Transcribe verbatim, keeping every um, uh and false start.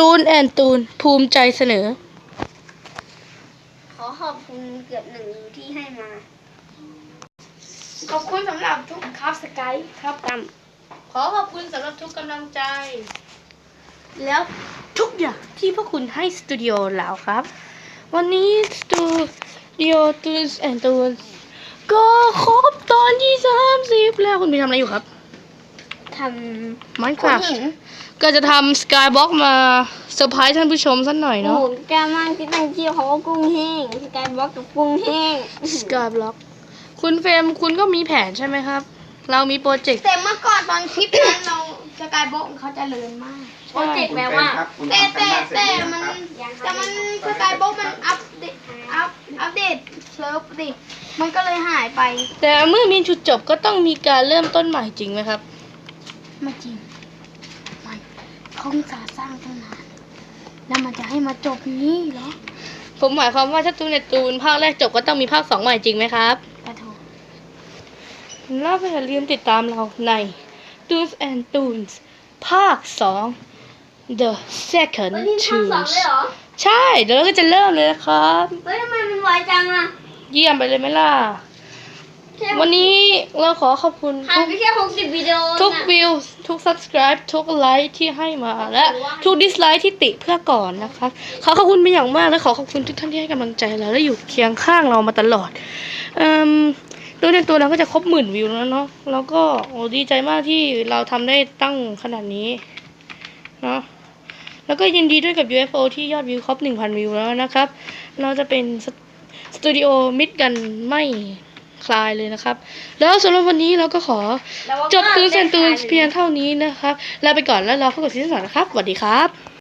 ตูนแอนตูนภูมิใจเสนอขอขอบคุณเกือบหนึ่งที่ให้มาขอบคุณสำหรับทุกครับสกายครับตั้มขอขอบคุณสำหรับทุกกำลังใจแล้วทุกอย่างที่พวกคุณให้สตูดิโอเราครับวันนี้สตูดิโอตูนแอนตูนก็ครบตอนที่สามสิบแล้วคุณมีทำอะไรอยู่ครับทำ Minecraft ก็จะทำสกายบล็อกมาเซอร์ไพรส์ท่านผู้ชมสักหน่อยเนาะโอ้แกมากที่ตั้งชื่อเขาว่ากุ้งแห้งสกายบล็อกกับกุ้งแห้งสกายบล็อกคุณเฟรมคุณก็มีแผนใช่ไหมครับ เรามีโปรเจกต์แต่เมื่อก่อนตอนคลิปนั้นเราสกายบล็อกเขาจะเลินมากโปรเจกต์แปลว่าแต่แต่แต่มันแต่มันสกายบล็อกมันอัปเดตอัปอัปเดตเซิร์ฟดิมันก็เลยหายไปแต่เมื่อมีจุดจบก็ต้องมีการเริ่มต้นใหม่จริงไหมครับไม่จริงไม่เขาสาสร้างตั้งนานแล้วมันจะให้มาจบนี้เหรอผมหมายความว่าถ้าตูนในตูนภาคแรกจบก็ต้องมีภาคสองใหม่จริงไหมครับกระโถแล้วอย่าลืมติดตามเราใน Toons and Toons ภาคสอง The Second Toons ใช่เดี๋ยวเราก็จะเริ่มเลยนะครับเฮ้ยทำไมมันไวจังอะเยี่ยมไปเลยไหมล่ะวันนี้เราขอขอบคุณผ่านไปแค่หกสิบวิดีโอทุกวิวทุก subscribe ทุกไลค์ที่ให้มาและทุก dislike ที่ติเพื่อก่อนนะครับขอขอบคุณเป็นอย่างมากและขอขอบคุณทุกท่านที่ให้กำลังใจเราและอยู่เคียงข้างเรามาตลอดอืมโดยในตัวเราก็จะครบหมื่นวิวแล้วเนาะแล้วก็โอ้ดีใจมากที่เราทำได้ตั้งขนาดนี้เนาะแล้วก็ยินดีด้วยกับ ยู เอฟ โอ ที่ยอดวิวครบ หนึ่งพัน วิวแล้วนะครับเราจะเป็นสตูดิโอมิดกันไม่คลายเลยนะครับแล้วสำหรับวันนี้เราก็ขอจบตูนเซนตูนเพียงเท่านี้นะครับลาไปก่อนแล้วรอพบกับซีซั่นสองนะครับสวัสดีครับ